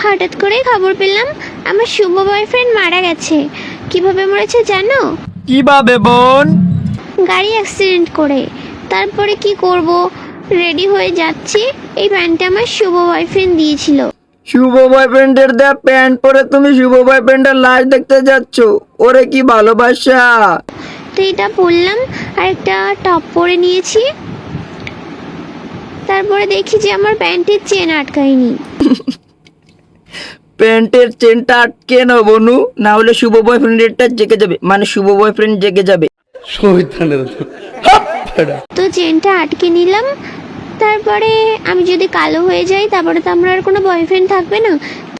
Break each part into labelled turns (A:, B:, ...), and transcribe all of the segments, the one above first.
A: হঠাৎ করেই খবর পেলাম আমার শুভ বয়ফ্রেন্ড মারা গেছে। কিভাবে মরেছে জানো?
B: কিভাবে বোন?
A: গাড়ি অ্যাক্সিডেন্ট করে। তারপরে কি করব, রেডি হয়ে যাচ্ছি, এই প্যান্টটা আমার শুভ বয়ফ্রেন্ড দিয়েছিল।
B: শুভ বয়ফ্রেন্ডের দেয়া প্যান্ট পরে তুমি শুভ বয়ফ্রেন্ডের লাশ দেখতে যাচ্ছ? ওরে কি ভালোবাসা!
A: তো এটা পরলাম আর একটা টপ পরে নিয়েছি। তারপরে দেখি যে আমার প্যান্টের চেন আটকায়নি।
B: প্যান্টের চেনটা আটকে নাও বনু, না হলে শুভ বয়ফ্রেন্ডেরটা জেগে যাবে, মানে শুভ বয়ফ্রেন্ড জেগে যাবে।
A: তো চেনটা আটকে নিলাম। তারপরে আমি যদি কালো হয়ে যাই তারপরে তো আমার আর কোনো বয়ফ্রেন্ড থাকবে না।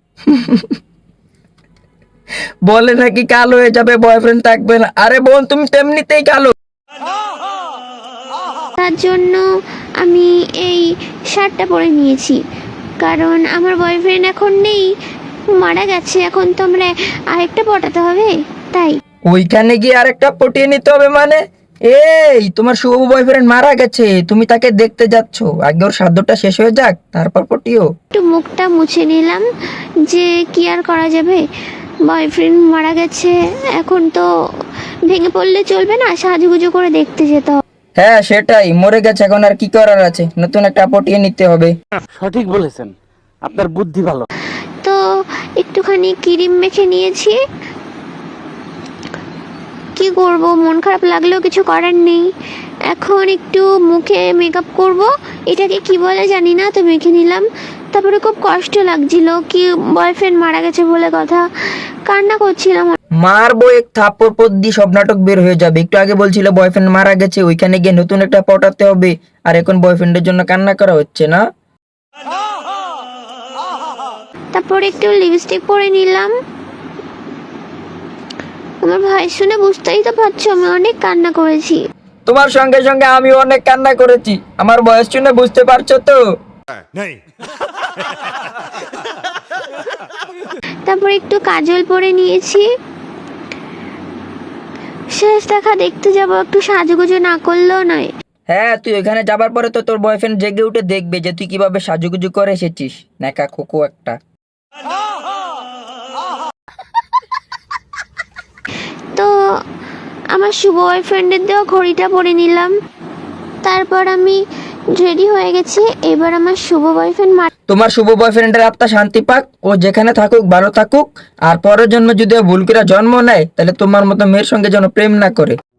B: বলে নাকি কালো হয়ে যাবে, বয়ফ্রেন্ড থাকবে না। আরে বোন, তুমি তেমনিতেই কালো।
A: তার জন্য আমি এই শার্টটা পরে নিয়েছি, কারণ আমার বয়ফ্রেন্ড এখন নেই, মারা গেছে। এখন তো আমরা আরেকটা পটাতে হবে, তাই।
B: ওইখানে গিয়ে আরেকটা পটিয়ে নিতে হবে মানে? এই তোমার শুভ বয়ফ্রেন্ড মারা গেছে, তুমি তাকে দেখতে যাচ্ছ, আগে ওর সাধ্যটা শেষ হয়ে যাক তারপর পটিও।
A: একটু মুখটা মুছে নিলাম, যে কি আর করা যাবে, বয়ফ্রেন্ড মারা গেছে, এখন তো ভেঙে পড়লে চলবে না, সাজুগুজু করে দেখতে যেতে হবে।
B: হ্যাঁ সেটাই, মরে গেছে, এখন আর কি করার আছে, নতুন একটা পটিয়ে নিতে হবে।
C: সঠিক বলেছেন, আপনার বুদ্ধি ভালো।
A: তো একটুখানি ক্রিম মেখে নিয়েছি। কি করব, মন খারাপ লাগলেও কিছু করার নেই। এখন একটু মুখে মেকআপ করব, এটাকে কি বলে জানি না, তো মেখে নিলাম। তারপরে খুব কষ্ট লাগছিল, কি বয়ফ্রেন্ড মারা গেছে বলে কথা, কান্না করছিলাম।
B: মারবো এক থাপ্পড় পর দিয়ে সব নাটক বের হয়ে যাবে। একটু আগে বলছিল বয়ফ্রেন্ড মারা গেছে, ওইখানে গিয়ে নতুন একটা পটাতে হবে, আর এখন বয়ফ্রেন্ডের জন্য কান্না করা হচ্ছে না।
A: তারপরে একটু লিপস্টিক পরে নিলাম। আমার ভাই শুনে বুঝতেই তো পারছো আমি অনেক কান্না করেছি।
B: তোমার সঙ্গে সঙ্গে আমি অনেক কান্না করেছি, আমার বয়স শুনে বুঝতে পারছো তো?
A: তারপরে একটু কাজল পরে নিয়েছি। শেষ দেখা দেখতে যাব, একটু সাজুগুজু না করলেও নয়।
B: হ্যাঁ, তুই ওইখানে যাবার পরে তো তোর বয়ফ্রেন্ড জেগে উঠে দেখবে যে তুই কিভাবে সাজুগুজু করে এসেছিস, নেকা খোকো একটা।
A: তো আমার শুভ বয়ফ্রেন্ডের দেওয়া ঘড়িটা পরে নিলাম। তারপর আমি রেডি হয়ে গেছি। এবার আমার শুভ বয়ফ্রেন্ড
B: তোমার শুভ বয়ফ্রেন্ডের আত্মা শান্তি পাক, ও যেখানে থাকুক ভালো থাকুক, আর পরের জন্মে যদি ও ভুল করে জন্ম নেয় তাহলে তোমার মতো মেয়ের সঙ্গে যেন প্রেম না করে।